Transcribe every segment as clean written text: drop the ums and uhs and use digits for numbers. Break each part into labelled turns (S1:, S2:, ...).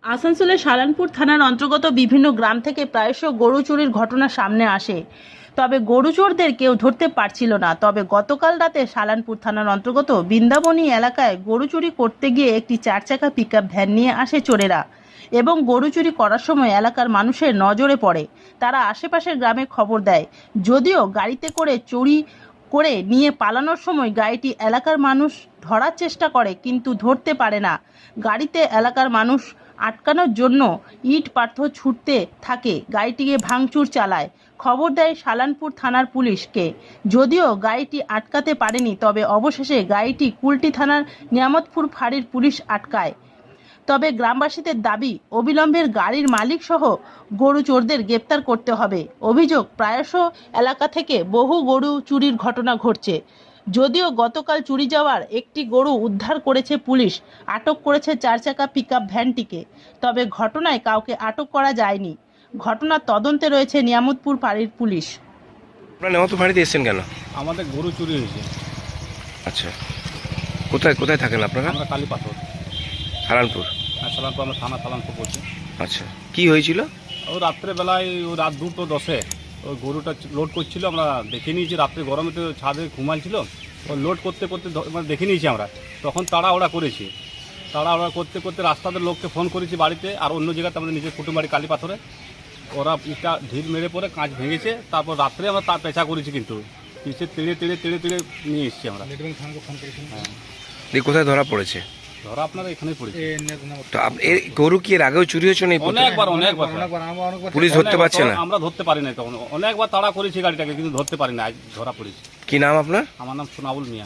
S1: আসানসোলের সালানপুর থানার অন্তর্গত বিভিন্ন গ্রাম থেকে প্রায়শ গরু চুরির ঘটনা সামনে আসে। তবে গরু চোরদের কেউ ধরতে পারছিল না। তবে গতকাল রাতে সালানপুর থানার অন্তর্গত বৃন্দাবনী এলাকায় গরু চুরি করতে গিয়ে একটি 4 চাকা পিকআপ ভ্যান নিয়ে আসে চোরেরা এবং গরু চুরি করার সময় এলাকার মানুষের নজরে পড়ে। তারা আশেপাশের গ্রামে খবর দেয়। যদিও গাড়িতে করে চুরি করে নিয়ে পালানোর সময় গাড়িটি এলাকার মানুষ ধরার চেষ্টা করে, কিন্তু ধরতে পারে না। গাড়িতে এলাকার মানুষ আটকানোর জন্য ইট পাথর ছুটতে থাকে, গাড়িটিকে ভাঙচুর চালায়। খবর দেয় সালানপুর থানার পুলিশকে। যদিও গাড়িটি আটকাতে পারেনি, তবে অবশেষে গাড়িটি কুলটি থানার নিয়ামতপুর ফাঁড়ির পুলিশ আটকায়। তবে গ্রামবাসীদের দাবি, অবিলম্বে গাড়ির মালিক সহ গরু চোরদের গ্রেপ্তার করতে হবে। অভিযোগ, প্রায়শ এলাকা থেকে বহু গরু চুরির ঘটনা ঘটছে। যদিও গতকাল চুরি যাওয়ার একটি গরু উদ্ধার করেছে পুলিশ, আটক করেছে 4 চাকা পিকআপ ভ্যানটিকে। তবে ঘটনায় কাউকে আটক করা যায়নি। ঘটনার তদন্তে রয়েছে নিয়ামতপুর ফাঁড়ির পুলিশ।
S2: আপনারা নেমতো বাড়িতে এসেছেন কেন?
S3: আমাদের গরু চুরি হয়েছে।
S2: আচ্ছা, কোথায় কোথায় থাকেন আপনারা?
S3: আমরা কালী পাথর
S2: হারানপুর।
S3: সালানপুর, আমরা থানা সালানপুর করছি।
S2: আচ্ছা, কি হয়েছিল?
S3: ও রাত্রেবেলায় ও রাত 2:10 ওই গরুটা লোড করছিল। আমরা দেখে নিয়েছি, রাত্রে গরমে তো ছাদে ঘুমাইছিল। ও লোড করতে করতে মানে দেখে নিয়েছি আমরা। তখন তাড়াহুড়া করেছি। তাড়াহুড়া করতে করতে রাস্তাতে লোককে ফোন করেছি বাড়িতে, আর অন্য জায়গাতে আমাদের নিজের কুটুম বাড়ি কালী পাথরে। ওরা ইটা ঢিল মেরে পরে কাঁচ ভেঙেছে। তারপর রাত্রে আমরা তার পেঁচা করেছি, কিন্তু পিছিয়ে তেড়ে তেড়ে তেড়ে তেড়ে নিয়ে এসেছি আমরা। হ্যাঁ,
S2: দিয়ে কোথায় ধরা পড়েছে?
S3: ধরা আপনারা এখানেই পড়েছে।
S2: তো এই গরু কি এর আগেও চুরি হয়েছে? নেই,
S3: অনেকবার
S2: পুলিশ ধরতে পারছে না।
S3: আমরা ধরতে পারি না। তখন অনেকবার তাড়া করেছি গাড়িটাকে, কিন্তু ধরতে পারি না। আজ ধরা পড়েছি।
S2: কি নাম আপনার?
S3: আমার নাম সোনাউল মিয়া।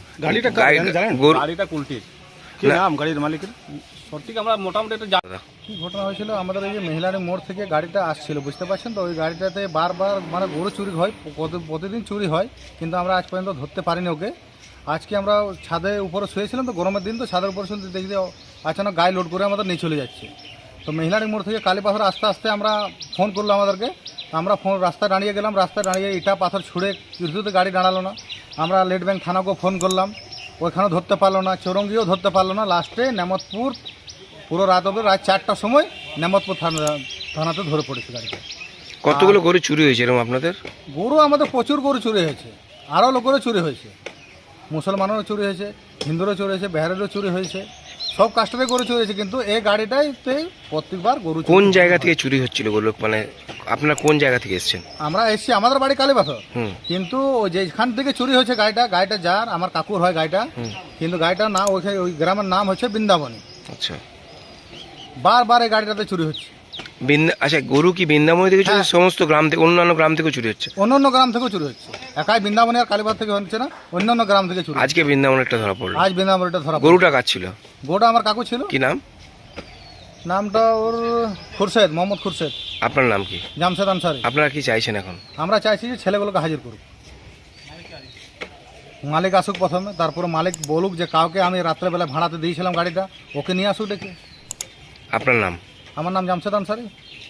S3: গাড়িটা কুলটির।
S2: কি নাম
S3: গাড়ির মালিকের? সঠিক আমরা মোটামুটি একটু
S4: কি ঘটনা হয়েছিল, আমাদের এই যে মেহিলারি মোড় থেকে গাড়িটা আসছিল, বুঝতে পারছেন তো। ওই গাড়িটাতে বারবার মানে গরু চুরি হয়, প্রতিদিন চুরি হয়, কিন্তু আমরা আজ পর্যন্ত ধরতে পারিনি ওকে। আজকে আমরা ছাদে উপরে শুয়েছিলাম, তো গরমের দিন, তো ছাদের উপরে শুনতে দেখি যে আচানক গায়ে লোড করে আমাদের নিয়ে চলে যাচ্ছে। তো মেহিলারি মোড় থেকে কালী পাথর আস্তে আস্তে আমরা ফোন করলো আমাদেরকে। আমরা রাস্তায় দাঁড়িয়ে গেলাম। রাস্তায় দাঁড়িয়ে ইটা পাথর ছুঁড়ে কিছুতে গাড়ি দাঁড়ালো না। আমরা লেট ব্যাংক থানাকেও ফোন করলাম, ওইখানেও ধরতে পারলো না। চৌরঙ্গিও ধরতে পারলো না। লাস্টে নেমতপুর পুরো রাত অবধি, রাত 4টার সময় নেমতপুর থানাতে ধরে পড়েছে গাড়িটা।
S2: কতগুলো গরু চুরি হয়েছে এরকম আপনাদের?
S4: গরু আমাদের প্রচুর গরু চুরি হয়েছে, আরও লোকেরও চুরি হয়েছে। মুসলমানেরও চুরি হয়েছে, হিন্দুরও চুরি হয়েছে, বিহারেরও চুরি হয়েছে, সব কাস্টমে গরু চুরি হয়েছে। কিন্তু এই গাড়িটাইতে প্রত্যেকবার গরু চুরি।
S2: কোন জায়গা থেকে চুরি হচ্ছিল গরু? মানে আপনারা কোন জায়গা থেকে এসেছেন?
S4: আমরা এসছি, আমাদের বাড়ি কালীপাথর, কিন্তু ওই যেখান থেকে চুরি হয়েছে গাড়িটা যার, আমার কাকুর হয় গাড়িটা, কিন্তু গাড়িটার নাম ওই গ্রামের নাম হচ্ছে বৃন্দাবনী।
S2: আচ্ছা,
S4: বারবার এই গাড়িটাতে চুরি হচ্ছে।
S2: আচ্ছা, গরু কি বৃন্দাবনী থেকে চুরি? সমস্ত গ্রাম থেকে, অন্যান্য গ্রাম থেকে চুরি হচ্ছে?
S4: অন্যান্য গ্রাম থেকেও চুরি হচ্ছে, একাই বৃন্দাবনী আর কালীপাথর থেকে হচ্ছে না, অন্যান্য গ্রাম থেকে চুরি।
S2: আজকে বৃন্দাবন একটা ধরা পড়লো।
S4: আজ বৃন্দাবনীটা ধরা।
S2: গরুটা কার ছিল?
S4: গরুটা আমার কাকু ছিল।
S2: কি নাম?
S4: নামটা ওর খুরশেদ, মোহাম্মদ খুরশেদ।
S2: আপনার নাম কি?
S4: জামশেদ আনসারি।
S2: আপনারা কি চাইছেন এখন?
S4: আমরা চাইছি যে ছেলেগুলোকে হাজির করুক, মালিক আসুক প্রথমে, তারপরে মালিক বলুক যে কাউকে আমি রাত্রেবেলা ভাড়াতে দিয়েছিলাম গাড়িটা, ওকে নিয়ে আসুক ডেকে।
S2: আপনার নাম?
S4: আমার নাম জামশেদ আনসারি।